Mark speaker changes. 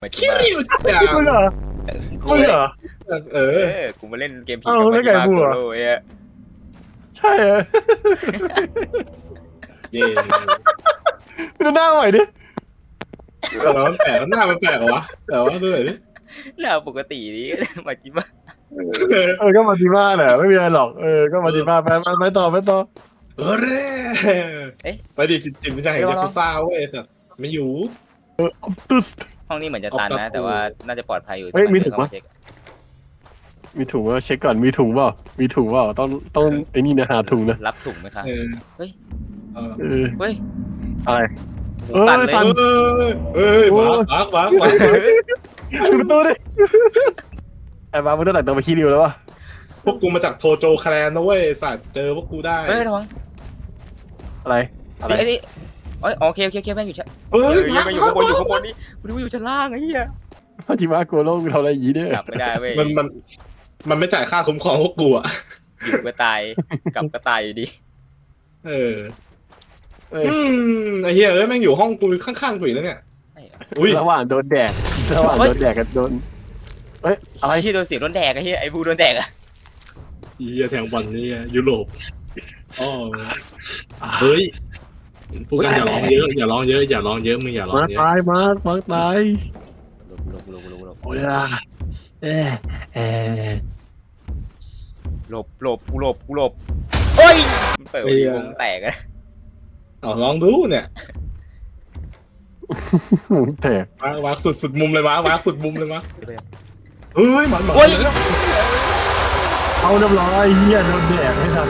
Speaker 1: หมายถึง
Speaker 2: คิ
Speaker 1: ว่า
Speaker 2: ริวจัง
Speaker 3: มึงเหรอ
Speaker 1: กู
Speaker 3: มึงเหรอ
Speaker 2: เอ
Speaker 1: เอ
Speaker 2: อ
Speaker 1: อกูมาเล่นเกมผี
Speaker 3: เอ้า
Speaker 1: กับ
Speaker 3: ไม่
Speaker 1: มา
Speaker 3: ไก่
Speaker 1: จิมา
Speaker 3: บัว
Speaker 1: โกโร่ไอ้เหี้ย
Speaker 3: ใช่เหรอ
Speaker 2: เย่
Speaker 3: ดูหน้าใหม่ดิ
Speaker 2: แล้วมันแปลกหน้ามันแปลกเหรอวะแต่ว่าดูหน่อยดิ
Speaker 1: หน้าปกตินี้ มาจิมา
Speaker 3: ก็มาดีมาแหละไม่มีอะไรหรอกก็มาดีมาไปต่อ
Speaker 2: เออเร่ไปดิจิมไม่ใช่ยากุซ่าเว้ยแต่ไม่อยู่
Speaker 3: ตึ๊ด
Speaker 1: ห้องนี้เหมือนจะตันนะ แต่ว่าน่าจะปลอดภัยอยู่
Speaker 3: เฮ้ยมีถุง
Speaker 1: เข้า
Speaker 3: ปะ
Speaker 1: มาเช็ค
Speaker 3: มีถุงว่าเช็คก่อนมีถุงเปล่าต้องไอ้นี่นะหาถุงนะ
Speaker 1: รับถุงไหมคะ
Speaker 2: เออ
Speaker 1: เฮ้ย
Speaker 2: เออ
Speaker 1: เฮ้ย
Speaker 3: อะไร
Speaker 1: หูสั่นเลย
Speaker 3: สั่น
Speaker 2: เอ้ยมา
Speaker 3: ปิดประตูดิไอ้บ้ามึงต้องแต่งตัวไปขี้ริวแล้ววะ
Speaker 2: พวกกูมาจากโทโจแคลนนะเว้ยสัตว์เจอพวกกูได้
Speaker 1: เฮ้ยระวัง
Speaker 3: อะไร
Speaker 1: สิไอ้นี่โอเคแม่งอยู่ชั้น
Speaker 2: เฮ้ย
Speaker 1: แม่งอยู่ข้างบนนี่กูดูอยู่ชั้นล่างไอ้เหี้ย
Speaker 3: มาจิมาโกโร่มึงทำอะไรอย่างนี้เนี่ย
Speaker 1: กลับไม่ได้เว้ย
Speaker 2: มันไม่จ่ายค่าคุ้มครองพวกกูอ่ะ
Speaker 1: อยู่ก็ตายกลับก็ตายอยู่ดี
Speaker 2: เออ
Speaker 3: เอ้ย
Speaker 2: ไอ้เหี้ยแม่งอยู่ห้องกูข้างๆกูอีกแล้วเนี่ย
Speaker 1: ไอ้เหี้ย
Speaker 2: อุ้ย
Speaker 3: ระหว่างโดนแดดกับโดนเอ้ยอะไร
Speaker 1: ที่โดนเสียงโดนแดกไอ้เหี้ยไอ้บูโดนแดกอะ
Speaker 2: เหี้ยแทงบอลนี่ยุโรปอ๋อเฮ้ยพูดกันอย่าร้องเยอะอย่าร้องเยอะมึงอย่าร้อง
Speaker 3: มา
Speaker 2: เยอะ
Speaker 3: ตายมาตาย
Speaker 1: หลบ
Speaker 3: โอ้ยอ่ะเอ๊ะเอ๊ะ
Speaker 1: หลบเฮ้ยมันเปิดวงแตกอะ
Speaker 2: เอาลองดูเนี่ย
Speaker 3: แตก
Speaker 2: วางสุดมุมเลยวางสุดมุมเลยวะเฮ้ยมัน
Speaker 1: เฮ้ย
Speaker 3: เอาน้ำร้อยเฮียโดนแดดไม่ทัน